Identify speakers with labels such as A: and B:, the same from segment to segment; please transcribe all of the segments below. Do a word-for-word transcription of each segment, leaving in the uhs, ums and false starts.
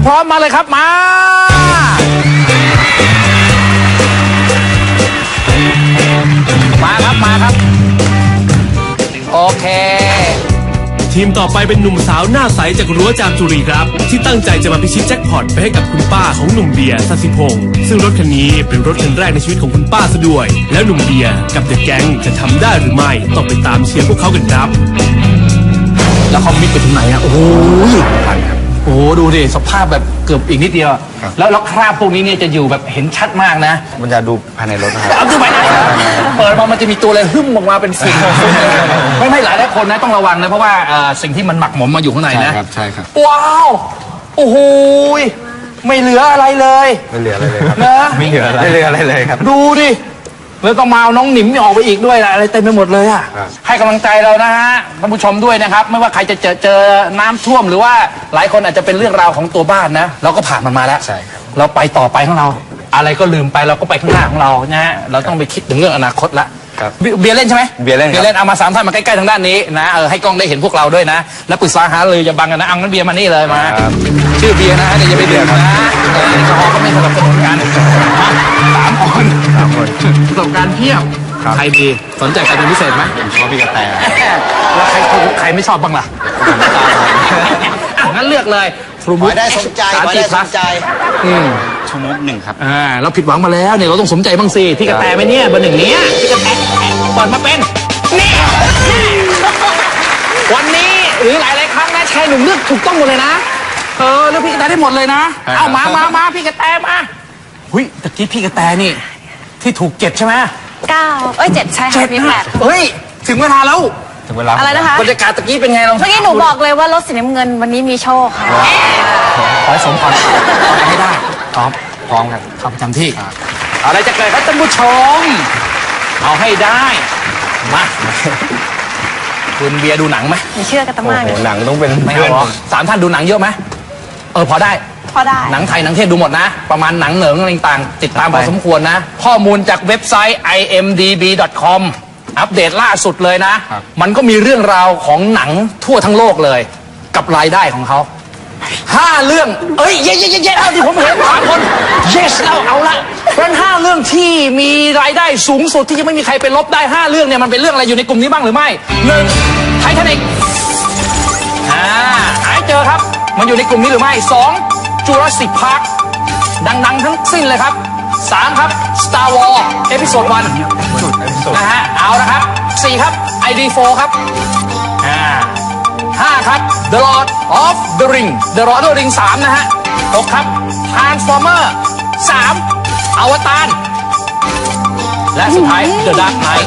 A: พร้อมมาเลยครับมามาครับมาครับโอเค
B: ทีมต่อไปเป็นหนุ่มสาวหน้าใสจากรั้วจามจุรีครับที่ตั้งใจจะมาพิชิตแจ็คพอตไปให้กับคุณป้าของหนุ่มเบียร์สัสิพงษ์ซึ่งรถคันนี้เป็นรถคันแรกในชีวิตของคุณป้าซะด้วยแล้วหนุ่มเบียร์กับเดอะแก๊งจะทำได้หรือไม่ต้องไปตามเชียร์พวกเขากันครับ
A: แล้วเขามิดไปถึงไหนอ่ะโอ้โหโอ้ดูดิสภาพแบบเกือบอีกนิดเดียวแล้วแล้วคราบพวกนี้เนี่ยจะอยู่แบบเห็นชัดมากนะ
C: มันจะดูภายในรถนะครับ
A: เอาดูไปนะเปิดมามันจะมีตัวอะไรหึ่มออกมาเป็นสิ่งไม่ไม่หลายหลายคนนะต้องระวังนะเพราะว่าสิ่งที่มันหมักหมมมาอยู่ข้างในนะ
C: ใช่ครับใช่ครับ
A: ว้าวโอ้โหไม่เหลืออะไรเลย
C: ไม่เหลืออะไรเลยครับ
A: นะ
C: ไม่เหลืออะไรไม่เหลืออะไรเลยครับ
A: ดูดิแล้วต้องมาเอาน้องหนิมออกไปอีกด้วยนะอะไรเต็มไปหมดเลยอ่ะให้กำลังใจเรานะฮะท่านผู้ชมด้วยนะครับไม่ว่าใครจะเจอเจอน้ำท่วมหรือว่าหลายคนอาจจะเป็นเรื่องราวของตัวบ้านนะเราก็ผ่านมันมาแล้ว
C: ใช่ครับ
A: เราไปต่อไปของเราอะไรก็ลืมไปเราก็ไปข้างหน้าของเรานะฮะเราต้องไปคิดถึงเรื่องอนาคตละเบียร์เล่นใช่ไหม
C: เบียร์เล่น
A: เบียร์เล่นเอามาสามท่านมาใกล้ๆทางด้านนี้นะเออให้กล้องได้เห็นพวกเราด้วยนะแล้วปรึกษาหาเลยอย่าบังกันนะเอางั้นเบียร์มานี่เลยมาชื่อเบียร์นะเดี๋ยวอย่าไปดื่มนะแอลกอฮอล์ก็ไม่สนับสนุนกันสามคน
C: สามคน
A: ประสบการณ์เพียบใครดีสนใจใครเป็นพิเศษไหม
C: ผมชอบพี่กระแต
A: แล้วใครใครไม่ชอบบ้างล่ะงั้นเลือกเลย
D: ขอได้สมใจขอได้สมใจ
A: อืม
C: ชมดหนึ่งครับ
A: อ่าเราผิดหวังมาแล้วเนี่ยเราต้องสมใจบ้างสิพี่กระแตไหมเนี่ยเบอร์หนึ่งเนี้ยพี่กระแตเปิดมาเป็นนี่วันนี้หรือหลายหลายครั้งนะชายหนุ่มเลือกถูกต้องหมดเลยนะเออเลือกพี่กระแตได้หมดเลยนะเอามามามาพี่กระแตมาหุ้ยตะกี้พี่กระแตนี่ที่ถูกเจ็ดใช่ไหม
E: เก้าเอ้ยเจ็ดใช่ค่ะพี่แปด
A: เฮ้ยถึงเวลาแล้ว
C: ถึงเวลา
E: อะไรนะคะ
A: บรรยากาศตะกี้เป็นไงลอง
E: เมื่อกี้หนูบอกเลยว่ารถสีน้ำเงินวันนี้มีโชคค่ะ
A: ขอให้สมพรให้ได้
C: พร้อมพร้อมครับ
A: เข้าประจำที่อะไรจะเกิดครับท่านผู้ชมเอาให้ได้มาคุณเบียร์ดูหนังไหม
E: ไม่เชื่อกันตั้งมาก
C: หนังต้องเป็น
A: ไม่เอาหรอสามท่านดูหนังเยอะไหมเออพอได้
E: พอได้
A: หนังไทยหนังเทศดูหมดนะประมาณหนังเหนิงอะไรต่างติดตามพอสมควรนะข้อมูลจากเว็บไซต์ ไอ เอ็ม ดี บี ดอท คอม อัปเดตล่าสุดเลยนะมันก็มีเรื่องราวของหนังทั่วทั้งโลกเลยกับรายได้ของเขาห้าเรื่องเอ้ยเย้เย้เย้เย้เอาที่ผมเห็นสามคน yes แล้วเอาละเพราะห้าเรื่องที่มีรายได้สูงสุดที่ยังไม่มีใครไปลบได้ห้าเรื่องเนี่ยมันเป็นเรื่องอะไรอยู่ในกลุ่มนี้บ้างหรือไม่หนึ่งไททานิคอ่าหาเจอครับมันอยู่ในกลุ่มนี้หรือไม่สองจูราสสิคพาร์คดังๆทั้งสิ้นเลยครับสามครับ Star Wars เอพิโซดวันนะฮะเอาละครับสี่ครับ ไอ ดี โฟร์ ครับอ่าห้าครับ The Lord of the Ring The Lord of the Ring สามนะฮะหกครับ Transformer สามอวตารและสุดท้าย The Dark Knight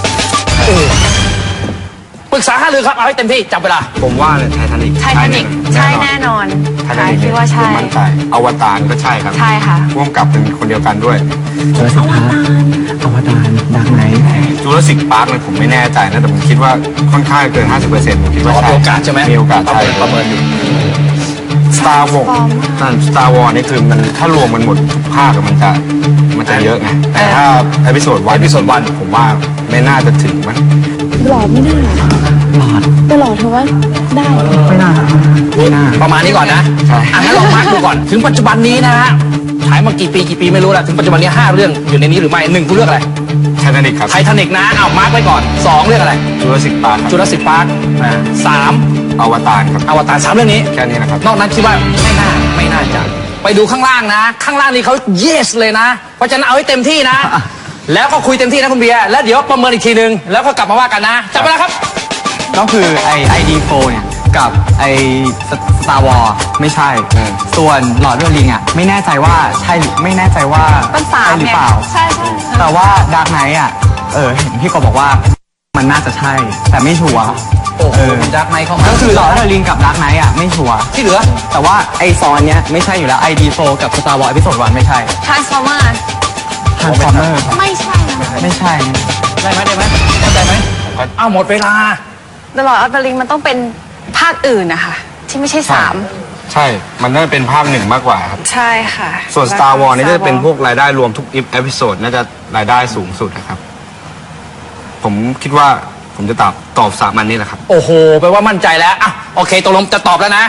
A: ปรึกษาหารือครับเอาให้เต็มที่จับเวลา
C: ผมว่าเลยไททานิค
E: ไททานิคใช่แน่นอน
C: ไททานิค
E: คิดว่าใช่
C: มั่นใจอวตารก็ใช่ครับ
E: ใช่ค่ะ
C: ร่วมกับเป็นคนเดียวกันด้วย
D: จูราสสิคพาร์คอวตารดักไนท์
C: จูราสสิคพาร์คเนี่ยผมไม่แน่ใจนะแต่ผมคิดว่าค่อนข้างเกิน ห้าสิบเปอร์เซ็นต์ ผมคิดว่าใช่
A: มีโอกาสใช่ไหม
C: มีโอกาสใช่
A: ประเมินอยู่
C: Star Wars นั่น Star Wars นี่คือมันถ้ารวมมันหมดทุกภาคมันจะมันจะเยอะไงแต่ถ้าเอพิโซดวันเอพิโซดวันผมว่าไม่น่าจะถึงมั้ง
F: หลอดไม่ได้หลอดแต่หลอดเธอว่าได้
D: ไม่น่าไม่น่า
A: ประมาณนี้ก่อนนะอ่ะงั้นลองมาร์คดูก่อนถึงปัจจุบันนี้นะฮะฉายมากี่ปีกี่ปีไม่รู้แหละถึงปัจจุบันนี้ห้าเรื่องอยู่ในนี้หรือไม่หนึ่งคุณเลือกอะไร
C: ไททานิคครับ
A: ไททานิคนะเอามาร์คไว้ก่อนสองเลือกอะไร
C: จูราสสิคพาร์ค
A: จูราสสิคพาร์คสาม
C: อวตารครับ
A: อวตารสามเรื่องนี้
C: แค่นี้นะครับ
A: นอกนั้นคิดว่าไม่น่าไม่น่าจะไปดูข้างล่างนะข้างล่างนี้เขา yes เลยนะเพราะฉะนั้นเอาให้เต็มที่นะแล้วก็คุยเต็มที่นะคุณเบียร์แล้วเดี๋ยวประเมินอีกทีนึงแล้วก็กลับมาว่ากันนะจับไปแล้วครับ
D: ก็คือไอ ไอ ดี โฟร์ เนี่ยกับไอ Star Wars ไม่ใช่ส่วนหลอดเรือลิงอ่ะไม่แน่ใจว่าใช่ไม่แน่ใจว่า
E: ใช่
D: หรือเปล่า
E: ใช่ใช่
D: แต่ว่าดาร์กไนท์อ่ะเออเห็นพี่กบบอกว่ามันน่าจะใช่แต่ไม่ชัวร์
A: โอ้โหดาร์กไนท์เข้ามา
D: ก็คือหลอดเรือลิงกับดาร์กไนท์อ่ะไม่ชัวร์
A: ที่เหลือ
D: แต่ว่าไอซอนเนี้ยไม่ใช่อยู่แล้ว ไอ ดี โฟร์ กับ Star Wars เอพิโซดวันไม่ใช่
E: Transformer
D: Transformer
E: ไม่ใช่
D: ไม่ใช่
A: ได้ไหมได้ไหมเข้าใจไหมอ้าวหมดเวลา
E: The Lord of the Ring มันต้องเป็นภาคอื่นนะคะที่ไม่ใช่สาม
C: ใช่ มันน่าจะเป็นภาคหนึ่งมากกว่าครับ
E: ใช่ค่ะ
C: ส่วน Star Wars นี่จะเป็นพวกรายได้รวมทุกเอพิโซดน่าจะรายได้สูงสุดนะครับผมคิดว่าผมจะตอบตอบสามอันนี้แหละครับ
A: โอ้โหแปลว่ามั่นใจแล้วอ่ะโอเคตกลงจะตอบแล้วนะ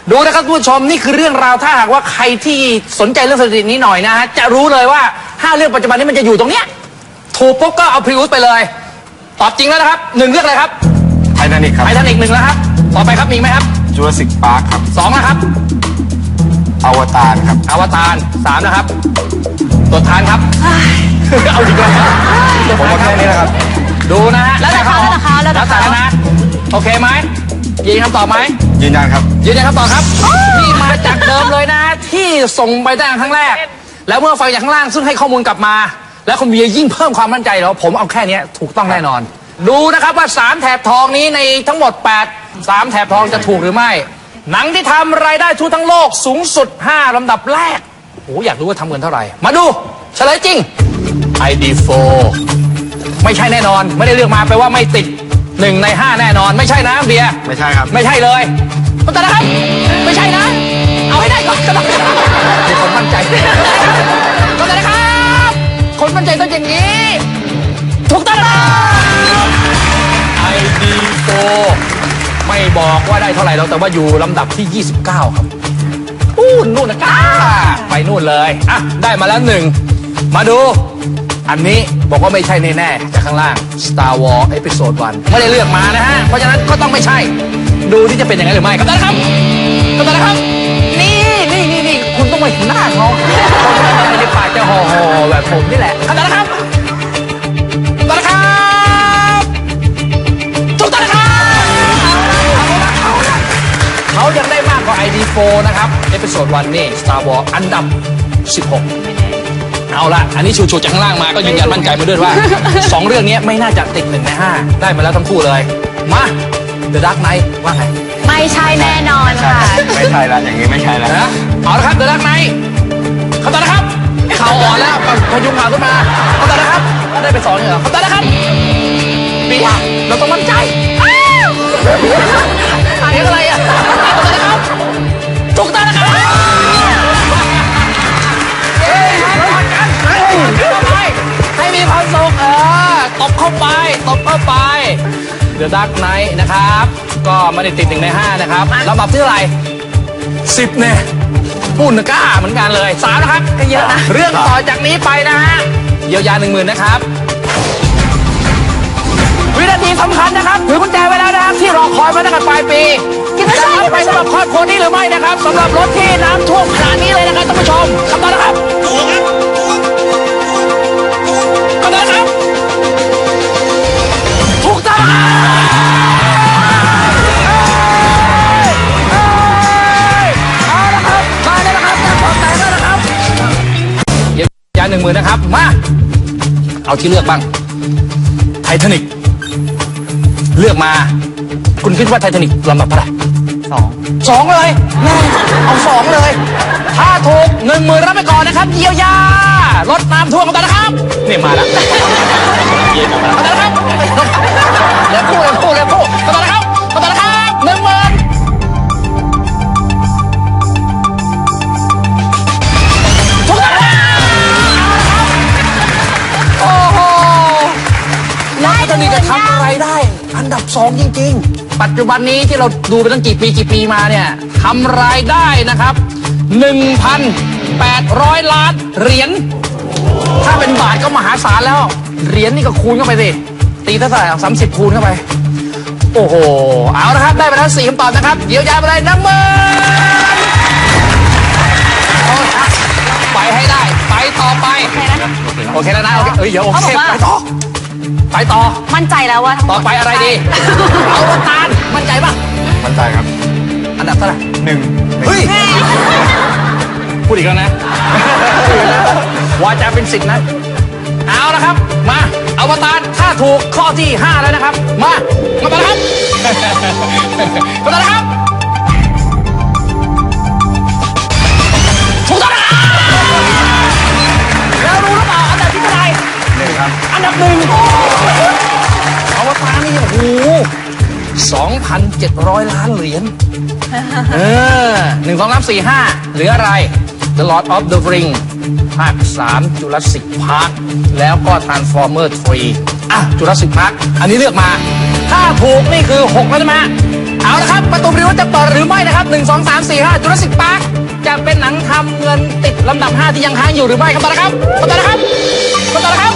A: ดูนะครับทุกผู้ชมนี่คือเรื่องราวถ้าหากว่าใครที่สนใจเรื่องสถิตินี้หน่อยนะฮะจะรู้เลยว่าห้าเรื่องปัจจุบันนี้มันจะอยู่ตรงเนี้ยถูกปุ๊บก็เอาพรีอุสไปเลยตอบจริงแล้วนะครับหนึ่งเรื่องอะไรครับ
C: ไททานิกครับ
A: ไททานิกหนึ่งแล้วครับต่อไปครับมีไหมครับ
C: จูราสสิกพาร์คครับ
A: สองนะครับ
C: อวตารครับ
A: อวตารสามนะครับตัวทานครับ เอาอีกแล้วตัว
C: ผม
A: ทาน
C: ว่า
A: ครั
C: แค่
A: บ
C: นี้นะครับ
A: ดูนะฮะ
E: แล้วแต่เขาแล้วแต่เขาแล้วแต่
A: แล้วแต่
E: เขา
A: นะโอเคไหมยืนคำตอบไหม
C: ยืนยันครับ
A: ยืนยันคำตอบครับนี่มาจากเดิมเลยนะ ที่ส่งไปตั้งแต่ครั้งแรก แล้วเมื่อฟังจากข้างล่างซึ่งให้ข้อมูลกลับมา แล้วคุณเบียร์ยิ่งเพิ่มความมั่นใจแล้วผมเอาแค่เนี้ยถูกต้องแน่นอน ดูนะครับว่าสามแถบทองนี้ในทั้งหมดแปด สามแถบทองจะถูกหรือไม่ หนังที่ทำรายได้ทั่วทั้งโลกสูงสุดห้าลำดับแรกโอ้อยากรู้ว่าทำเงินเท่าไหร่มาดูเฉลยจริง ไอ ดี โฟร์ ไม่ใช่แน่นอนไม่ได้เลือกมาแปลว่าไม่ติดหนึ่งในห้าแน่นอนไม่ใช่นะเบียร์
C: ไม่ใช่ครับ
A: ไม่ใช่เลยก็แต่นะครับ ไม่ใช่นะ เอาให้ได้ก่อนก็ต้องมีคนมั่นใจก็แต่นะครับ คนมั่นใจต้องอย่างนี้ ถูกต้องนะครับ ไอ ดี โฟร์ ไม่บอกว่าได้เท่าไหร่แล้วแต่ว่าอยู่ลำดับที่ ยี่สิบเก้า ครับอู้นู่นนะก้าไปนู่นเลยอ่ะได้มาแล้วหนึ่งมาดู อันนี้บอกว่าไม่ใช่แน่ๆจากข้างล่าง Star Wars Episode วันไม่ได้เลือกมานะฮะ เพราะฉะนั้นก็ต้องไม่ใช่ ดูที่จะเป็นอย่างนั้นหรือไม่ครับท่านครับท่านครับ นี่นี่นี่นี่คุณต้องมาเห็นหน้าเขาคนมั่นใจในปากจะห่อห่อแบบผมนี่แหละท่านครับท่านครับทุกท่านครับเขายังได้มากกว่า ไอ ดี โฟร์ นะครับ Episode วันนี่ Star Wars อันดับ สิบหกเอาละอันนี้ชูๆจากข้างล่างมาก็ยืนยันมั่นใจมาด้วยว่า สองเรื่องนี้ไม่น่าจะติดหนึ่งในห้าได้มาแล้วทั้งคู่เลย มา The Dark Knight ว่าไง
E: ไม่ใช่แน่นอนค่ะ
C: ไม่ใช่แล้วอย่างนี้ไม่ใช่แล้ว
A: นะเอาละครับ The Dark Knight คำตอบนะครับข่าวอ่อนแล้วพยุงข่าวขึ้นมาคำตอบนะครับได้ไปสองเหรอคำตอบนะครับปีเราต้องมั่นใจอ้าวเสียงอะไรอ่ะคำตอบนะครับถูกต้องนะครับให้มีความสุขเออตบเข้าไปตบเข้าไป The Dark Knight นะครับ ก็ไม่ได้ติดหนึ่งในห้านะครับลำดับที่เท่าไหร่สิบเนี่ยปุ่นกล้าเหมือนกันเลยสามนะครับก็เยอะนะ เรื่องต่อจากนี้ไปนะฮะเยียวยาหนึ่งหมื่นนะครับ วินาทีสำคัญนะครับถือกุญแจไว้แล้วนะครับที่รอคอยมาตั้งแต่ปลายปีจะรับไปสำหรับครอบครัวนี้หรือไม่นะครับสำหรับรถที่น้ำท่วมขนาดนี้เลยนะครับท่านผู้ชมคำตอบนะครับคำตอบนะครับถูกต้องเอาละครับมาแล้วนะครับแจ้งความแตกแล้วนะครับเยียวยาหนึ่งหมื่นนะครับมาเอาที่เลือกบ้างไททานิกเลือกมาคุณคิดว่าไททานิกลำดับเท่าไหร่
D: สอง
A: สองเลยแน่เอาสองเลย ถ้าถูกหนึ่งหมื่นรับไปก่อนนะครับเยียวยารถน้ำท่วมกันนะครับนี่มาแล้วเอาแต่ละครับเดี๋ยวพูดเดี๋ยวพูดเดี๋ยวพูดเอาแต่ละครับเอาแต่ละครับหนึ่งหมื่นถูกต้องนะครับโอ้โห แล้วไททานิกจะทำอะไรได้ อันดับสองจริงๆ ปัจจุบันนี้ที่เราดูไปตั้งกี่ปีกี่ปีมาเนี่ยทำรายได้นะครับ หนึ่งพันแปดร้อย ล้านเหรียญ ถ้าเป็นบาทก็มหาศาลแล้ว เหรียญนี่ก็คูณเข้าไปสิ ตีเท่าไหร่สามสิบคูณเข้าไป โอ้โห เอาละครับ ได้ไปแล้วสี่คำตอบนะครับ เดี๋ยวยาไปเลยหนึ่งหมื่นไปให้ได้ ไปต่อไป โอเคแล้วนะ โอเคเอ้ยเดี๋ยวโอเค ไปต่อ ไปต่อ
E: มั่นใจแล้วว่าทั้งหม
A: ต่อไปอะไรดี เอาละตาลมั่นใจป่ะ
C: มั่นใจครับ
A: อันดับเท่าไหร่
C: หนึ่ง
A: เฮ้ย พูดอีกแล้วนะ วาจาเป็นสิทธินะ เอาละครับ มาเอาตารถ้าถูกข้อที่ห้าแล้วนะครับ มา มาต่อนะครับ มาต่อนะครับ ถูกต้องนะครับแล้วรู้หรือเปล่าอันดับที่เท่าไหร่
C: หนึ่งครับ
A: อันดับหนึ่งอวตารนี่โอ้โหสองพันเจ็ดร้อยล้านเหรียญ เออหนึ่งสองสามสี่ห้าเหลืออะไร The Lord of the Ring ภาคสาม Jurassic Park แล้วก็ Transformer สามอ่ะ Jurassic Park อันนี้เลือกมา ถ้าถูกนี่คือหกแล้วใช่ไหมเอาเอาละครับ ประตูบริวจะเปิดหรือไม่นะครับหนึ่งสองสามสี่ห้าจูราสสิกพาร์คจะเป็นหนังทำเงินติดลำดับห้าที่ยังค้างอยู่หรือไม่ครับตอนนะครับตอนนะครับตอนนะครับ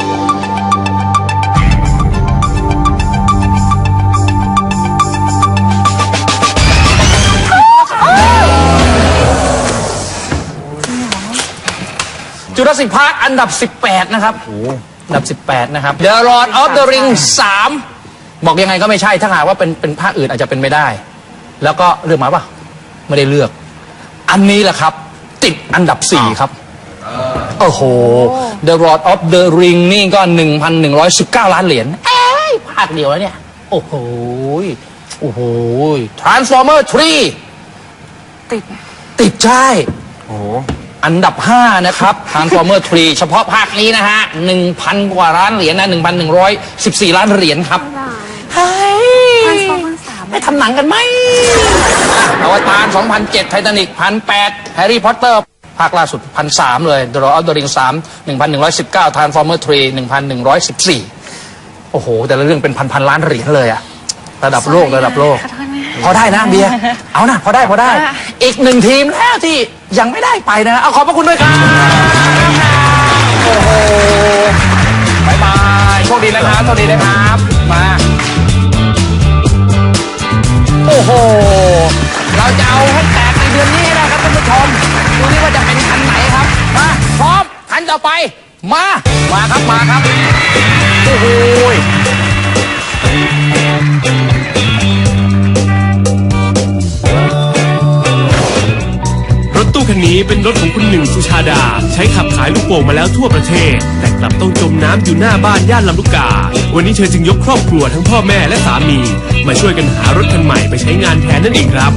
A: จูราสสิกพาร์คอันดับสิบแปดนะครับอันดับสิบแปดนะครับ The Lord of the Rings สามบอกยังไงก็ไม่ใช่ถ้าหากว่าเป็นเป็นภาคอื่นอาจจะเป็นไม่ได้ แล้วก็เลือกมาป่ะไม่ได้เลือก อันนี้แหละครับ ติดอันดับสี่ครับโอ้โห The Lord of the Ring นี่ก็ หนึ่งพันหนึ่งร้อยสิบเก้า ล้านเหรียญเอ้ยภาคเดียวแล้วเนี่ยโอ้โหโอ้โห Transformer สาม
E: ติด
A: ติดใช่
C: โอ้โห
A: อันดับห้านะครับ Transformer สาม เฉพาะภาคนี้นะฮะ หนึ่งพัน กว่าล้านเหรียญนะ หนึ่งพันหนึ่งร้อยสิบสี่ ล้านเหรียญครับเฮ้ย
E: Transformer สาม
A: ไม่ทำหนังกันไหมอวตาร สองพันเจ็ด ไททานิก หนึ่งพันแปด แฮร์รี่พอตเตอร์ ภาคล่าสุด หนึ่งพันสาม เลย The Lord of the Rings สาม หนึ่งพันหนึ่งร้อยสิบเก้า Transformer สาม หนึ่งพันหนึ่งร้อยสิบสี่ โอ้โห แต่ละเรื่องเป็นพันๆล้านเหรียญเลยอะระดับโลกระดับโลก
E: ขอโทษนะ
A: พอได้นะเบียร์เอานะพอได้พอได้ อีกหนึ่งทีมแล้วที่ยังไม่ได้ไปนะ เอาขอบพระคุณด้วยครับโอ้โหบายบายโชคดีนะครับโชคดีนะครับมาโอ้โหเราจะเอาให้แตกในเดือนนี้ให้ได้ครับท่านผู้ชมดูนี่ว่าจะเป็นคันไหนครับมาพร้อมคันต่อไปมามาครับมาครับโอ้โห
B: รถตู้คันนี้เป็นรถของคุณหนึ่งสุชาดา ใช้ขับขายลูกโป่งมาแล้วทั่วประเทศ แต่กลับต้องจมน้ำอยู่หน้าบ้านย่านลำลูกกา วันนี้เธอจึงยกครอบครัวทั้งพ่อแม่และสามี มาช่วยกันหารถคันใหม่ไปใช้งานแทนนั่นเองครับ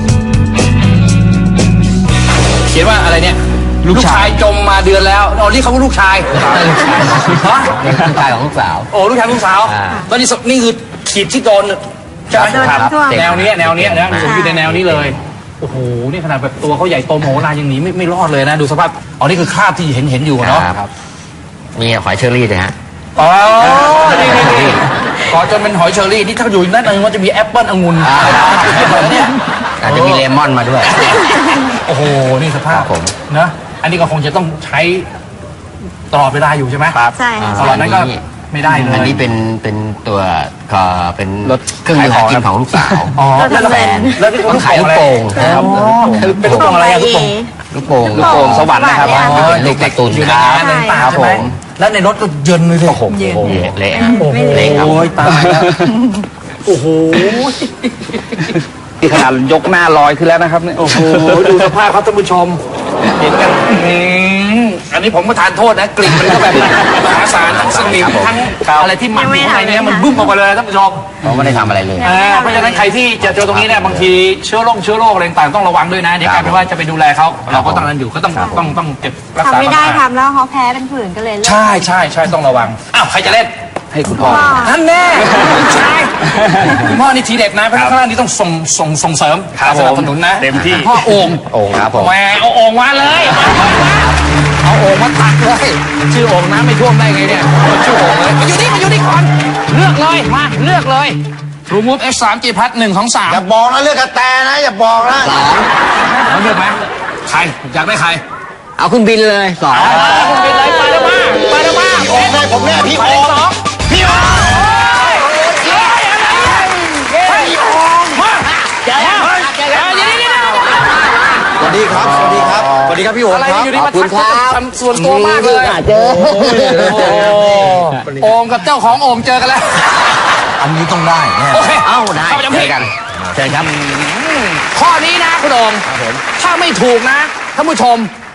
A: เขียนว่าอะไรเนี่ยลูกชายจมมาเดือนแล้วอ๋อนี่เขาว่าลูกชายฮะ
D: ลูกชายของลูกสาว
A: โอ้ลูกชายลูกสาวแล้วนี่สนี่คือขีดที่โดนใช่ไหม
E: โดนน้ำท่วม
A: แนวนี้แนวนี้นะผมอยู่ในแนวนี้เลยโอ้โหนี่ขนาดแบบตัวเขาใหญ่โตโมโหลานยังหนีไม่ไม่รอดเลยนะดูสภาพอ๋อนี่คือคราบที่เห็นเห็นอยู่เนาะ
G: ครับมีหอยเชอรี่ด้วยฮะ
A: อ๋อนี่นี่นี่ก่อจนเป็นหอยเชอรี่นี่ถ้าอยู่นั่นเองมันจะมีแอปเปิ้ลองุ่นเนี่ย
G: อาจจะมีเลมอนมาด้วย
A: โอ้โหนี่สภาพ
G: ครับผม
A: นะอันนี้ก็คงจะต้องใช้ตลอดเวลาอยู่ใช่ไหม
G: ครับ
E: ใช่ค่ะ
A: ตลอดนั้นก็ไม่ได้เลย
G: อันนี้เป็นเป็นตัวก็เป็น
C: รถ
G: เครื่องมือหากินของลูกสาว
A: อ๋อ
E: เราทำแบรนด์
A: แล้วที่
G: ต้องขายลูกโป่งครับ
A: เป็นลูกโป่งอะไรอะลูกโป่ง
G: ลูกโป่ง
E: ลูกโป่งสวรรค์นะครับ
G: อ๋อลูกเด็กตุน
A: อยู่ใน
G: ครับ
A: งานในต่าง
G: ครับ
A: ใช่ไหม
G: ผม
A: แล้วในรถก็เย็นเลยดิโอ้โห
G: เละฮะ
A: โอ้โห
G: เละครับ
A: ตายแล้วโอ้โห
C: ที่ขนาดยกหน้าลอยขึ้นแล้วนะครับเนี่ย
A: โอ้โหดูสภาพครับท่านผู้ชมเห็นกันอืมอันนี้ผมก็ทานโทษนะกลิ่นมันก็แบบมหาศาลทั้งสนิมทั้งอะไรที่หมักอยู่ข้างในเนี้มันบึ้มออกมาเลยท่านผู้ชม
G: เขาไม่ได้ทำอะไรเลย
A: อ่าเพราะฉะนั้นใครที่จะเจอตรงนี้เนี่ยบางทีเชื้อโรคเชื้อโรคอะไรต่างๆต้องระวังด้วยนะเดี๋ยวกลายเป็นว่าจะไปดูแลเขาเราก็ต้องนั้นอยู่ก็ต้องต้องต้องเก็บรักษา
E: ทำไม่ได้
A: ความสะอา
E: ทำแล้วเขาแพ้เป็นผื่นก็เลยเลิก
A: ใช่ใช่ใช่ต้องระวังอ้าวใครจะเล่น
C: ให้คุณพ่อ
A: ท่านแน่คุณชายคุณพ่อนี่ทีเด็ดนะเพราะฉะนั้นข้างล่างนี่ต้องส่งส่งส่งเสริม
C: ครับ
A: สนับสนุนนะ
C: เต็มที่
A: พ่อโอ่ง
G: โอ่งครับผม
A: แหมเอาโอ่งมาเลยเอาโอ่งมาตักเลยชื่อโอ่งน้ำไม่ท่วมได้ไงเนี่ยชื่อโอ่งเลยมาอยู่นี่มาอยู่นี่ก่อนเลือกเลยมาเลือกเลย True Move เอส สาม G Plus หนึ่งของสาม
H: อย่าบอกนะเลือกกระแตนะอย่าบอกนะ
A: แล้วเลือกไหมใครอยากได้ใคร
G: เอาคุณบินเลยสอง
A: คุณไปเลยไปแล้วมาไปแล้วมา
H: พี่โอมเลยผมเนี่ยพี่
A: ไป
H: โอ
A: เลย
H: ม
A: สองพี่โอมเย้พี่โอมมาเดี๋ยวเดี๋ยวเดี๋ยวเดี๋ยวเดี๋ยว
H: สวัสดีครับสวัสดีครับสวัสดีครับพี่โอม
A: อะไร
H: ครับ
A: อยู่ดีมาทักทำส่วนตัวมากเลย
G: เจอ
A: โอมกับเจ้าของโอมเจอกันแล้ว
H: อันนี้ต้องได้แน่
A: โอเค
G: เอ้าได้
A: เข้าประจำที่
G: เจอกันเชิญครับ
A: ข้อนี้นะคุณโอมถ้าไม่ถูกนะท่านผู้ชม